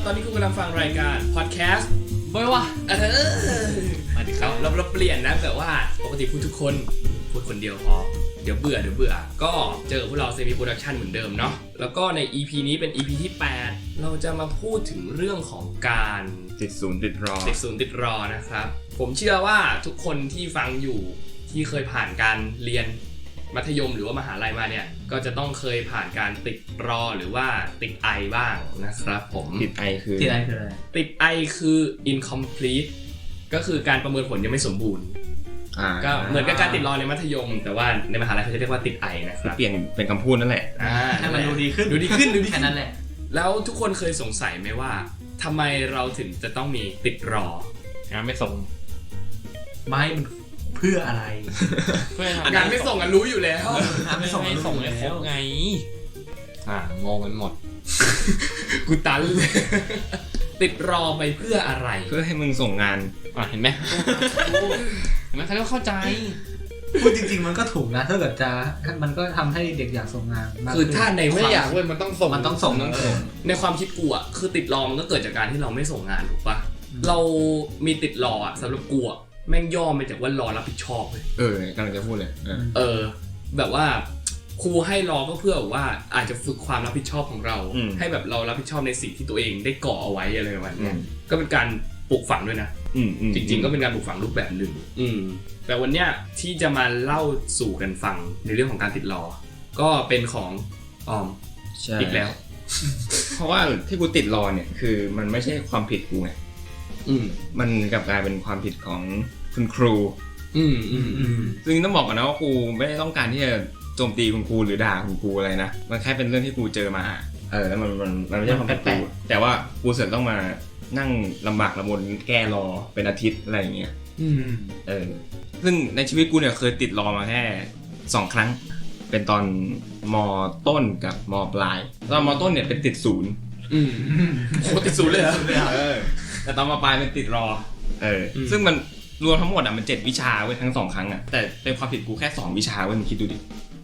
ตอนนี้คุณกำลังฟังรายการพอดแคสต์บอยวะมาดิครับเราเปลี่ยนนะแบบว่าปกติพูดทุกคนพูดคนเดียวพอเดี๋ยวเบื่อก็เจอพวกเราเซมิโปรดักชันเหมือนเดิมเนาะแล้วก็ใน EP นี้เป็น EP ที่ 8เราจะมาพูดถึงเรื่องของการติดศูนย์ติดรอนะครับผมเชื่อว่าทุกคนที่ฟังอยู่ที่เคยผ่านการเรียนมัธยมหรือว่ามหาลัยมาเนี่ยก็จะต้องเคยผ่านการติดรอหรือว่าติดไอบ้างนะครับผมติดไอคืออะไรติดไอคือ incomplete ก็คือการประเมินผลยังไม่สมบูรณ์ก็เหมือนกับการติดรอในมัธยมแต่ว่าในมหาลัยเขาจะเรียกว่าติดไอนะครับเปลี่ยนเป็นคำพูดนั่นแหละให้มันดูดีขึ้นแค่นั้นแหละแล้วทุกคนเคยสงสัยไหมว่าทำไมเราถึงจะต้องมีติดรองานไม่ส่งไม่มันเพื่ออะไรงานไม่ส่งกันรู้อยู่แล้วงานไม่ส่งให้ครบไงงงกันหมดกูตันเลยติดรอไปเพื่ออะไรเพื่อให้มึงส่งงานเห็นไหมเขาเข้าใจพูดจริงๆมันก็ถูกนะถ้าเกิดจะมันก็ทำให้เด็กอยากส่งงานคือถ้าในไม่อยากเว้ยมันต้องส่งในความคิดกูอ่ะคือติดรอมันก็เกิดจากการที่เราไม่ส่งงานถูกปะเรามีติดรออ่ะสำหรับกูอ่ะแม่งย่อมาจากว่ารอรับผิดชอบเลยกำลังจะพูดเลยแบบว่าครูให้รอก็เพื่อว่าอาจจะฝึกความรับผิดชอบของเราให้แบบเรารับผิดชอบในสิ่งที่ตัวเองได้ก่อเอาไว้อะไรประมาณนี้ก็เป็นการปลูกฝังด้วยนะจริงๆก็เป็นการปลูกฝังรูปแบบหนึ่งแต่วันเนี้ยที่จะมาเล่าสู่กันฟังในเรื่องของการติดรอก็เป็นของออมอีกแล้วเพราะว่าที่กูติดรอเนี่ยคือมันไม่ใช่ความผิดกูไงมันกลับกลายเป็นความผิดของคุณครูซึ่งต้องบอกก่อนนะว่าครูไม่ได้ต้องการที่จะโจมตีคุณครูหรือด่าคุณครูอะไรนะมันแค่เป็นเรื่องที่ครูเจอมาแล้วมันไม่ใช่ความผิดครูแต่ว่าครูเสร็จต้องมานั่งลำบากลำบนแก้รอเป็นอาทิตย์อะไรอย่างเงี้ยซึ่งในชีวิตกูเนี่ยเคยติดรอมาแค่2 ครั้งเป็นตอนม.ต้นกับม.ปลายตอนม.ต้นเนี่ยเป็นติดศูนย์โหติดศูนย์เลยเหรอแต่ตอนม.ปลายเป็นติดรอซึ่งมันรวมทั้งหมดมัน7 วิชาเว้ยทั้ง2 ครั้งแต่เป็นความผิดกูแค่2 วิชาเว้ยมึงคิดดูดิ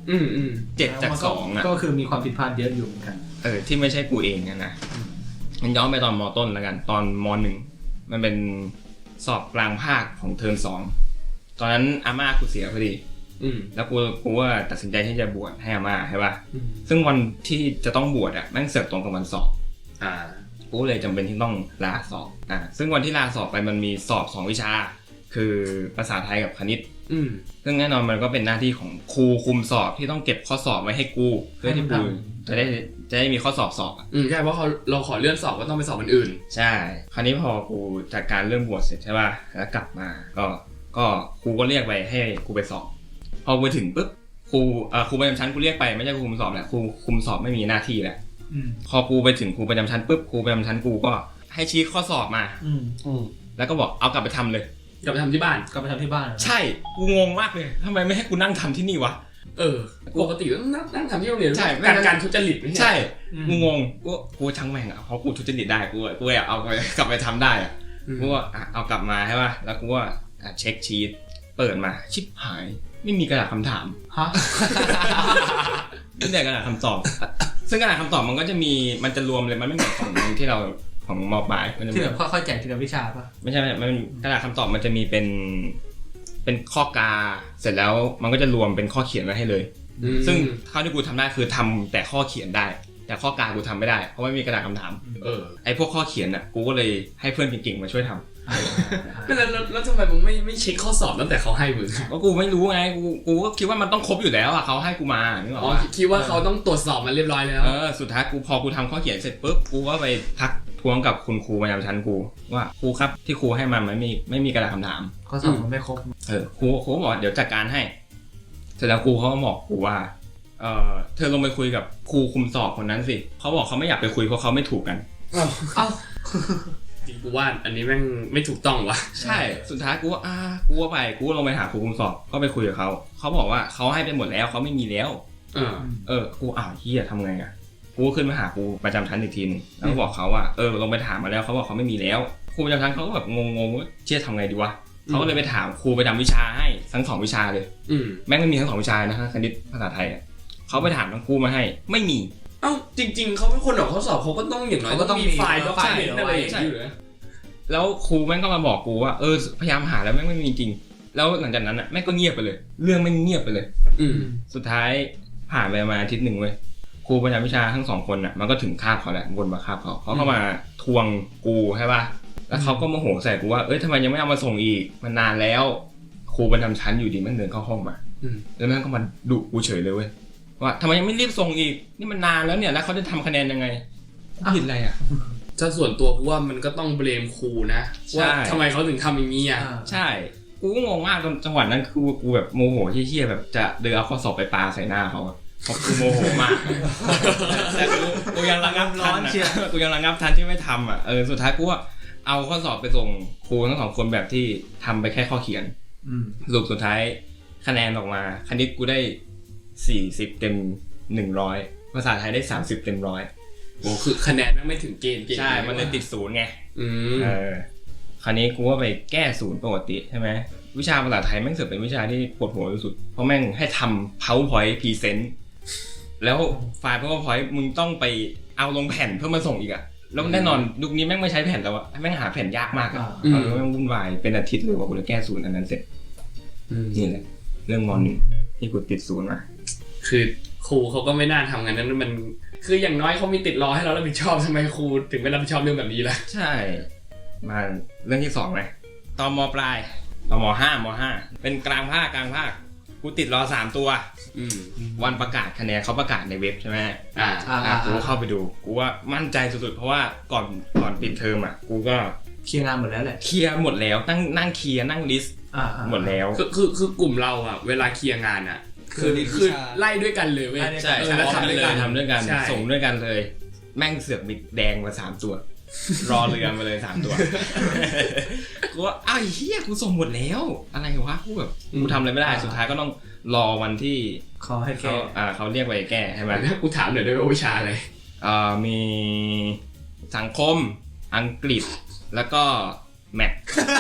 7 จาก2 ก็คือมีความผิดพลาดเยอะอยู่เหมือนกันที่ไม่ใช่กูเองนะมันย้อนไปตอนม.ต้นแล้วกันตอนม.1มันเป็นสอบกลางภาคของเทอม2ตอนนั้นอาม่ากูเสียพอดีแล้วกูว่าตัดสินใจที่จะบวชให้อาม่าใช่ป่ะซึ่งวันที่จะต้องบวชแม่งเสือกตรงกับวันสอบกูเลยจำเป็นที่ต้องลาสอบซึ่งวันที่ลาสอบไปมันมีสอบ2 วิชาคือภาษาไทยกับคณิตซึ่งแน่นอนมันก็เป็นหน้าที่ของครูคุมสอบที่ต้องเก็บข้อสอบไว้ให้กูเพื่อที่กูจะได้มีข้อสอบใช่เพราะเราขอเลื่อนสอบก็ต้องไปสอบวันอื่นใช่คราวนี้พอกูจัดการเรื่องบวชเสร็จใช่ป่ะแล้วกลับมาก็ครูก็เรียกไปให้กูไปสอบพอไปถึงปุ๊บครูประจำชั้นกูเรียกไปไม่ใช่ครูคุมสอบแหละครูคุมสอบไม่มีหน้าที่แล้วพอกูไปถึงครูประจำชั้นปุ๊บครูประจำชั้นกูก็ให้ชี้ข้อสอบมาแล้วก็บอกเอากลับไปทำเลยกลับไปทำที่บ้านใช่กูงงมากเลยทำไมไม่ให้กูนั่งทำที่นี่วะปกติต้องนั่งทำที่โรงเรียนใช่การทุจริตไม่ใช่กูงงกูช่างแม่งเพราะกูทุจริตได้กูอยากเอากลับไปทำได้กูว่าเอากลับมาใช่ป่ะแล้วกูว่าเช็คชีทเปิดมาชิบหายไม่มีกระดาษคำถามไม่ได้กระดาษคำตอบซึ่งกระดาษคำตอบมันก็จะมีมันจะรวมเลยมันไม่เหมือนของที่เราของม.ปลายที่แบบค่อยๆแจกทีละวิชาป่ะไม่ใช่มันกระดาษคำตอบมันจะมีเป็นข้อกาเสร็จแล้วมันก็จะรวมเป็นข้อเขียนไว้ให้เลยซึ่งเท่าที่กูทำได้คือทำแต่ข้อเขียนได้แต่ข้อกากูทำไม่ได้เพราะไม่มีกระดาษคำถามไอ้พวกข้อเขียนกูก็เลยให้เพื่อนเก่งๆมาช่วยทำแล้วทำไมมึงไม่เช็คข้อสอบตั้งแต่เขาให้มึงก็กูไม่รู้ไงกูก็คิดว่ามันต้องครบอยู่แล้วเขาให้กูมานึกออกป่ะคิดว่าเขาต้องตรวจสอบมาเรียบร้อยแล้วสุดท้ายพอกูทำข้อเขียนเสร็จปุ๊บกูก็ไปทักทวงกับคุณครูประจำชั้นกูว่าครูครับที่ครูให้มาไม่มีกระดาษคำถามข้อสอบมันไม่ครบครูบอกเดี๋ยวจัดการให้เสร็จแล้วครูเขาก็บอกกูว่าเธอลงไปคุยกับครูคุมสอบคนนั้นสิเขาบอกเขาไม่อยากไปคุยเพราะเขาไม่ถูกกันจริงกูว่าอันนี้แม่งไม่ถูกต้องวะใช่สุดท้ายกูว่าไปกูลงไปหาครูคุมสอบก็ไปคุยกับเขาบอกว่าเขาให้ไปหมดแล้วเขาไม่มีแล้วกูเฮียทำไงกูขึ้นมาหาครูประจำชั้นอีกทีนึงแล้วบอกเขาว่าลงไปถามมาแล้วเขาบอกเขาไม่มีแล้วครูประจำชั้นเขาก็แบบงงว่าเชี่ยทำไงดีวะเขาก็เลยไปถามครูประจำวิชาให้ทั้ง2 วิชาเลยแม่งไม่มีทั้ง2 วิชานะคณิตภาษาไทยเขาไปถามทั้งครูมาให้ไม่มีเอ้าจริงๆเขาเป็นคนออกข้อสอบเขาก็ต้องอย่างน้อยต้องมีไฟล์ด็อกเมนต์อะไรอย่างเงี้ยอยู่นะแล้วครูแม่งก็มาบอกกูว่าพยายามหาแล้วแม่งไม่มีจริงแล้วหลังจากนั้นอ่ะแม่งก็เงียบไปเลยเรื่องไม่เงียบไปเลยสุดท้ายผ่านไปมาอาทิตย์หนึ่งเว้ยครูประจำวิชาทั้ง2คนอ่ะมันก็ถึงคาบเขาแหละวนมาคาบเขาเข้ามาทวงกูใช่ป่ะแล้วเขาก็โมโหใส่กูว่าทำไมยังไม่เอามาส่งอีกมันนานแล้วครูประจำชั้นอยู่ดีแม่งเดินเข้าห้องมาแล้วแม่งก็มาดุกูเฉยเลยเว้ยว่าทำไมยังไม่รีบส่งอีกนี่มันนานแล้วเนี่ยแล้วเขาจะทำคะแนนยังไงผิดอะไรอ่ะถ้าส่วนตัวกูว่ามันก็ต้องเบลมครูนะว่าทำไมเขาถึงทำอย่างนี้อ่ะใช่กูก็งงมากจังหวะนั้นคือกูแบบโมโหเหี้ยๆแบบจะเดินเอาข้อสอบไปปาใส่หน้าเขาเพราะกูโมโหมากแต่กูยังระงับทันกูยังระงับทันที่ไม่ทำอ่ะสุดท้ายกูว่าเอาข้อสอบไปส่งครูทั้ง2คนแบบที่ทำไปแค่ข้อเขียนสรุปสุดท้ายคะแนนออกมาคณิตกูได้40 เต็ม 100ภาษาไทยได้30 เต็ม 100 โอ้คือคะแนนไม่ถึงเกณฑ์ใช่มันเลยติด0ไงคราวนี้กูก็ไปแก้0ปกติใช่ไหมวิชาภาษาไทยแม่งเสือกเป็นวิชาที่ปวดหัวที่สุดเพราะแม่งให้ทำ PowerPoint Present แล้วไฟล์ PowerPoint มึงต้องไปเอาลงแผ่นเพื่อมาส่งอีกอะแล้วแน่นอนยุคนี้แม่งไม่ใช้แผ่นแล้วอะแม่งหาแผ่นยากมากอะแม่งวุ่นวายเป็นอาทิตย์เลยว่ากูจะแก้0อันนั้นเสร็จนี่แหละเรื่องม.1ที่กูติด0มาคือครูเขาก็ไม่น่าทำงั้นนั้นมันคืออย่างน้อยเขามีติดรอให้เรารับผิดชอบทำไมครูถึงไม่รับผิดชอบเรื่องแบบนี้ล่ะใช่มาเรื่องที่2เลยตอนม.ปลายตอนม.5 เป็นกลางภาคกูติดรอ3ตัววันประกาศคะแนนเขาประกาศในเว็บใช่ไหมกูเข้าไปดูกูว่ามั่นใจสุดๆเพราะว่าก่อนปิดเทอมอ่ะกูก็เคลียร์งานหมดแล้วแหละเคลียร์หมดแล้วนั่งเคลียร์นั่งลิสต์หมดแล้วคือกลุ่มเราอ่ะเวลาเคลียร์งานอ่ะคือไล่ด้วยกันเลยเว้ยใช่แล้วทำด้วยกันส่งด้วยกันเลยแม่งเสือกมีแดงมา3ตัวรอเรือมาเลย3ตัวกูว่าอ้าวเหี้ยกูส่งหมดแล้วอะไรวะกูแบบกูทำอะไรไม่ได้สุดท้ายก็ต้องรอวันที่เขาให้แก้เขาเรียกไปแก้ใช่ไหมกูถามหน่อยได้ไหมวิชาอะไรมีสังคมอังกฤษแล้วก็แมท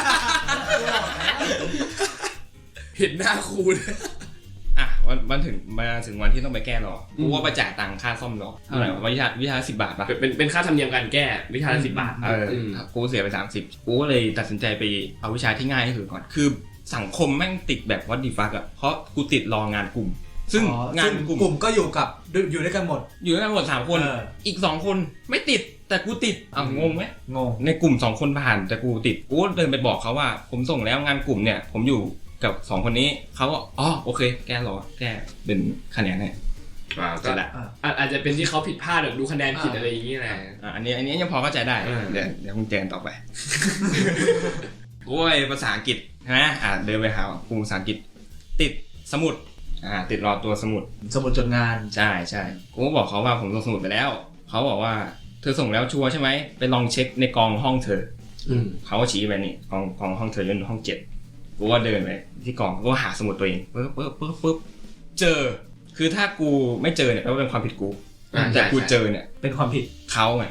เห็นหน้าครูเลยวันถึงวันที่ต้องไปแก้รอกูว่าไปจ่ายตังค่าซ่อมรอเท่าไหร่วิชา10 บาทป่ะเป็นค่าธรรมเนียมการแก้วิชา10 บาทกูเสียไป30กูก็เลยตัดสินใจไปเอาวิชาที่ง่ายที่สุดก่อนคือสังคมแม่งติดแบบวัดดีฟักอ่ะเพราะกูติดรองานกลุ่มซึ่งงานกลุ่มก็อยู่ด้วยกันหมด 3คนอีก2คนไม่ติดแต่กูติดงงไหมงงในกลุ่ม2คนผ่านแต่กูติดกูเดินไปบอกเขาว่าผมส่งแล้วงานกลุ่มเนี่ยผมอยู่กับ2คนนี้เขาก็โอเคแก้เป็นคะแนนให้ก็อาจจะเป็นที่เขาผิดพลาดหรือดูคะแนนผิดอะไรอย่างนี้แหละอันนี้ยังพอเข้าใจได้เดี๋ยวคงแจนต่อไปโอ้ยภาษาอังกฤษนะเดินไปหาครูภาษาอังกฤษติดสมุดติดรอตัวสมุดจดงานใช่กูก็บอกเขาว่าผมส่งสมุดไปแล้วเขาบอกว่าเธอส่งแล้วชัวร์ใช่ไหมไปลองเช็คในกองห้องเธอเขาก็ชี้ไปนี่กองห้องเธออยู่ห้อง7กูว่าเดินไปที่กองก็หาสมุดตัวเองปึ๊บเจอคือถ้ากูไม่เจอเนี่ยแปลว่าเป็นความผิดกูแต่กูเจอเนี่ยเป็นความผิดเขาไง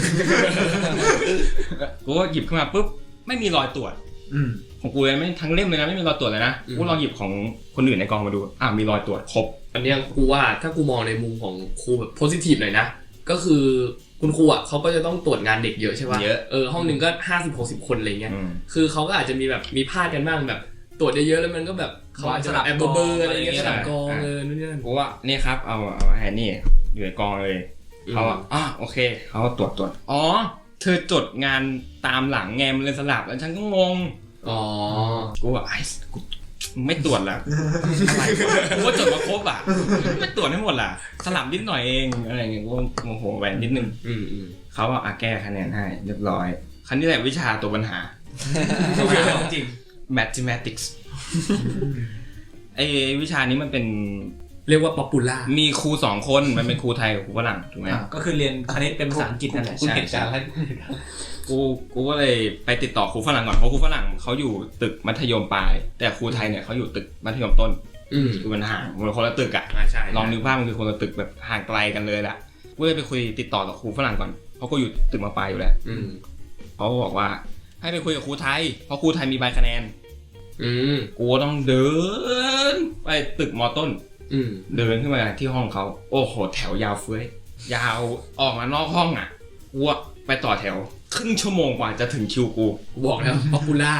กูก็หยิบขึ้นมาปุ๊บไม่มีรอยตรวจของกูเลยไม่ทั้งเล่มเลยนะไม่มีรอยตรวจเลยนะกูลองหยิบของคนอื่นในกองมาดูมีรอยตรวจครบอันนี้กูว่าถ้ากูมองในมุมของครูแบบโพสิทีฟหน่อยนะก็คือคุณครูอ่ะเขาก็จะต้องตรวจงานเด็กเยอะใช่ป่ะเยอะห้องนึงก็50-60 คนอะไรเงี้ยคือเขาก็อาจจะมีแบบมีพลาดกันบ้างแบบตรวจเยอะๆแล้วมันก็แบบเขาอาจจะแอบเบอร์อะไรเงี้ยสลับกองนู่นนี่นั่นกูว่านี่ครับเอาให้นี่อยู่ในกองเลยเขาโอเคเขาตรวจเธอจดงานตามหลังแงมเลยสลับแล้วฉันก็งงกูว่ากูไม่ตรวจละอะไรกูว่าจดมาครบไม่ตรวจให้หมดล่ะสลับนิดหน่อยเองอะไรเงี้ยกูโมโหแหวนนิดนึงเขาว่าแก้คะแนนให้เรียบร้อยคันนี้แหละวิชาตัวปัญหาจริง mathematics ไอ้วิชานี้มันเป็นเรียกว่า popular มีครู2คนมันเป็นครูไทยกับครูฝรั่งถูกไหมก็คือเรียนคณิตเป็นภาษาอังกฤษนั่นแหละใช่กูก็เลยไปติดต่อครูฝรั่งก่อนเพราะครูฝรั่งเขาอยู่ตึกมัธยมปลายแต่ครูไทยเนี่ยเขาอยู่ตึกมัธยมต้นคือมันห่างมันคนละตึกลองนึกภาพมันคือคนละตึกแบบห่างไกลกันเลยแหละกูเลยไปคุยติดต่อกับครูฝรั่งก่อนเพราะกูอยู่ตึกม.ปลายอยู่แล้วเขาบอกว่าให้ไปคุยกับครูไทยเพราะครูไทยมีใบคะแนนกูต้องเดินไปตึกม.ต้นเดินขึ้นมาที่ห้องเขาโอ้โหแถวยาวเฟ้ยยาวออกมานอกห้องอ่ะกูไปต่อแถวครึ่งชั่วโมงกว่าจะถึงคิวกูบอกแล้วป๊อปปูล่า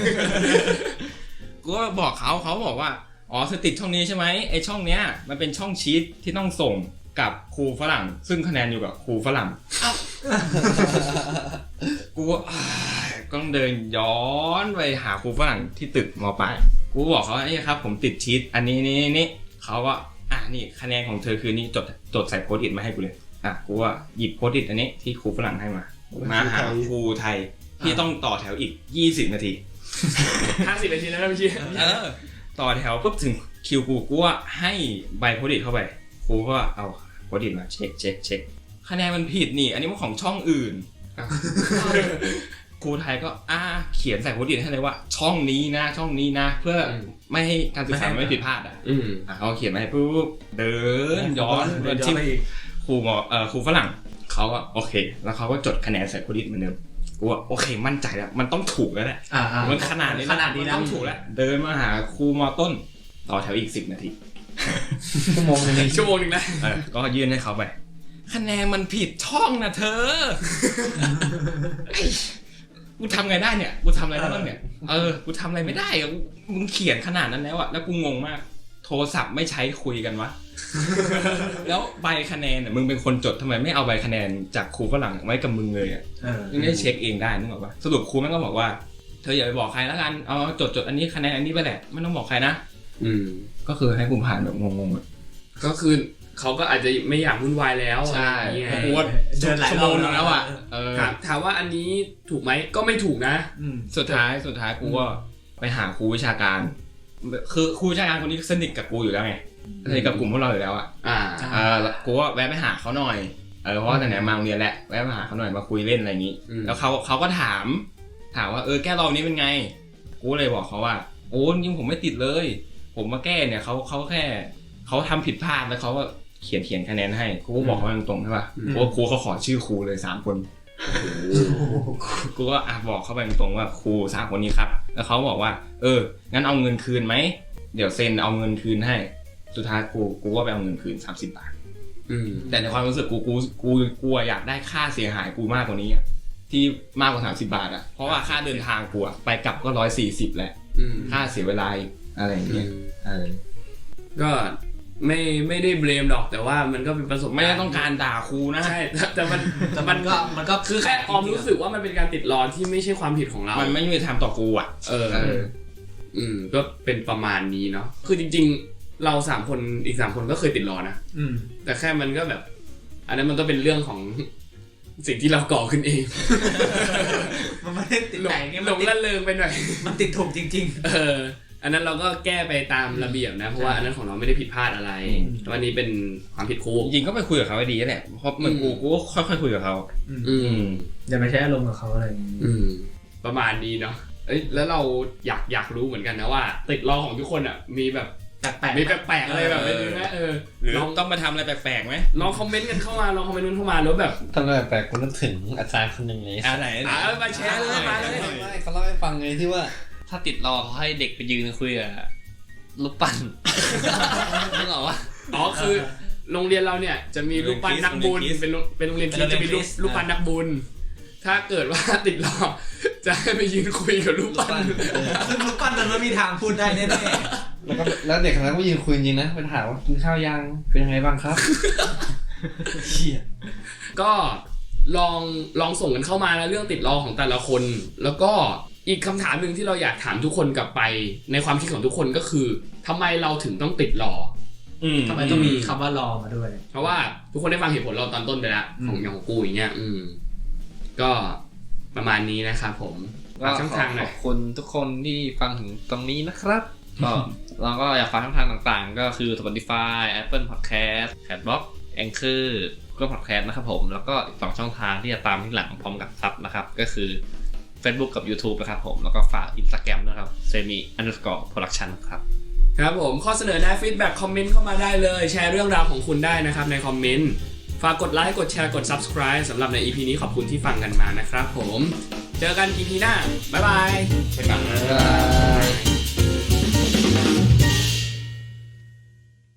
กูก็บอกเขาบอกว่าอ๋อเธอติดช่องนี้ใช่ไหมไอช่องเนี้ยมันเป็นช่องชีทที่ต้องส่งกับครูฝรั่งซึ่งคะแนนอยู่กับครูฝรั่งกูก็ต้องเดินย้อนไปหาครูฝรั่งที่ตึกม.ปลายกูบอกเขานี่ครับผมติดชีทอันนี้นี่เขาก็นี่คะแนนของเธอคือนี่จดใส่โพสต์อิทมาให้กูเลยกูว่าหยิบโพสต์อิทอันนี้ที่ครูฝรั่งให้มาหาครูไทยที่ต้องต่อแถวอีก20 นาที 50 นาทีแล้วนะพี่ชี้ต่อแถวปุ๊บถึงคิวกูว่าให้ใบโพสต์อิทเข้าไปครูก็เอาโพสต์อิทมาเช็คคะแนนมันผิดนี่อันนี้มันของช่องอื่นครูไทยก็เขียนใส่โพสต์อิทให้เลยว่าช่องนี้นะเพื่อไม่ให้การศึกษาไม่ผิดพลาดเขาเขียนมาให้ปุ๊บเดินย้อนที่ครูฝรั่งเขาก็โอเคแล้วเขาก็จดคะแนนใส่โพสต์อิทเหมือนเดิมกูว่าโอเคมั่นใจแล้วมันต้องถูกแล้วแหละมันขนาดนี้ต้องถูกแล้วเดินมาหาครูม.ต้นต่อแถวอีก10 นาทีชั่วโมงนึงนะก็ยื่นให้เขาไปคะแนนมันผิดช่องนะเธอกูทำไงได้เนี่ยกูทำอะไรได้บ้างเนี่ยกูทำอะไรไม่ได้มึงเขียนขนาดนั้นแล้วอะแล้วกูงงมากโทรศัพท์ไม่ใช้คุยกันวะแล้วใบคะแนนมึงเป็นคนจดทำไมไม่เอาใบคะแนนจากครูฝรั่งไว้กับมึงเลยอ่ะมึงได้เช็คเองได้นึกออกปะสรุปครูแม่งก็บอกว่าเธออย่าไปบอกใครแล้วกันเอาจดอันนี้คะแนนอันนี้ไปแหละไม่ต้องบอกใครนะก็คือให้กูผ่านแบบงงๆก็คือเขาก็อาจจะไม่อยากวุ่นวายแล้วใช่กูชั่วโมงนึงแล้วอ่ะถามว่าอันนี้ถูกไหมก็ไม่ถูกนะสุดท้ายกูก็ไปหาครูวิชาการคือครูวิชาการคนนี้สนิทกับกูอยู่แล้วไงสนิทกับกลุ่มพวกเราอยู่แล้วกูก็แวะไปหาเขาหน่อยเพราะว่าแต่ไหนมาโรงเรียนแหละแวะมาหาเขาหน่อยมาคุยเล่นอะไรอย่างนี้แล้วเขาก็ถามว่าแก้รอบนี้เป็นไงกูเลยบอกเขาว่าโอ้จริงผมไม่ติดเลยผมมาแก้เนี่ยเขาแค่เขาทำผิดพลาดแล้วเขาก็เขียนคะแนนให้กูก็บอกเขาตรงๆใช่ป่ะเพราะว่าครูเขาขอชื่อครูเลย3 คนกูก็บอกเขาไปตรงๆว่าครู3 คนนี้ครับแล้วเขาบอกว่างั้นเอาเงินคืนไหมเดี๋ยวเซ็นเอาเงินคืนให้สุดท้ายกูก็ไปเอาเงินคืน30 บาทแต่ในความรู้สึกกูอยากได้ค่าเสียหายกูมากกว่านี้ที่มากกว่า30 บาทอ่ะเพราะว่าค่าเดินทางกูไปกลับก็140แล้วค่าเสียเวลาอะไรอย่างเงี้ยก็ไม่ได้เบลมหรอกแต่ว่ามันก็เป็นประสบการณ์ไม่ได้ต้องการด่าครูนะใช่แต่มันก็คือแค่ความรู้สึกว่ามันเป็นการติดล้อที่ไม่ใช่ความผิดของเรามันไม่มีทำต่อกูอ่ะก็เป็นประมาณนี้เนาะคือจริงๆเรา3 คนอีก3 คนก็เคยติดล้อนะแต่แค่มันก็แบบอันนั้นมันก็เป็นเรื่องของสิ่งที่เราก่อขึ้นเองมันไม่ได้ติดแต่งหลงละเลงไปหน่อยมันติดถูกจริงๆอันนั้นเราก็แก้ไปตามระเบียบนะเพราะว่าอันนั้นของเราไม่ได้ผิดพลาดอะไรวันนี้เป็นความผิดครูจริงๆก็ไปคุยกับเขาให้ดีแหละเพราะเหมือนกูก็ค่อยๆคุยกับเขาอย่าไปใช้อารมณ์กับเขาอะไรประมาณนี้เนาะแล้วเราอยากรู้เหมือนกันนะว่าติดล้อของทุกคนอ่ะมีแบบมีแปลกๆอะไรแบบนี้นะหรือต้องมาทำอะไรแปลกๆไหมลองคอมเมนต์กันเข้ามาลองคอมเมนต์กันเข้ามาแล้วแบบทำอะไรแปลกๆคุณนึกถึงอาจารย์คนหนึ่งเลยไหนมาแชร์เลยมาเลยเขาเล่าให้ฟังไงที่ว่าถ้าติดล้อเขาให้เด็กไปยืนคุยกับรูปปั้นนึกออกว่าคือโรงเรียนเราเนี่ยจะมีรูปปั้นนักบุญเป็นโรงเรียนที่จะมีรูปปั้นนักบุญถ้าเกิดว่าติดล้อจะให้ไปยืนคุยกับรูปปั้นซึ่งรูปปั้นนั้นไม่มีทางพูดได้แน่ๆแล้วเด็กคนนั้นก็ยืนคุยจริงนะไปถามว่ากินข้าวยังเป็นยังไงบ้างครับเชี่ยก็ลองส่งกันเข้ามานะเรื่องติดล้อของแต่ละคนแล้วก็อีกคำถามนึงที่เราอยากถามทุกคนกลับไปในความคิดของทุกคนก็คือทำไมเราถึงต้องติดล้อทำไมต้องมีคำว่ารอมาด้วยเพราะว่าทุกคนได้ฟังเหตุผลเราตอนต้นไปแล้วของกูอย่างเงี้ยก็ประมาณนี้นะครับผมก็ขอบคุณทุกคนที่ฟังถึงตรงนี้นะครับก็เราก็อยากฟังช่องทางต่างๆก็คือ Spotify Apple Podcast Castbox Anchor Google Podcast นะครับผมแล้วก็อีก2 ช่องทางที่จะตามที่หลังพร้อมกับซับนะครับก็คือ Facebook กับ YouTube นะครับผมแล้วก็ฝาก Instagram ด้วยครับ semi_production ครับผมข้อเสนอแนะฟีดแบ็กคอมเมนต์เข้ามาได้เลยแชร์เรื่องราวของคุณได้นะครับในคอมเมนต์ฝากกดไลค์กดแชร์กด Subscribe สำหรับใน EP นี้ขอบคุณที่ฟังกันมานะครับผมเจอกัน EP หน้าบ๊ายบาย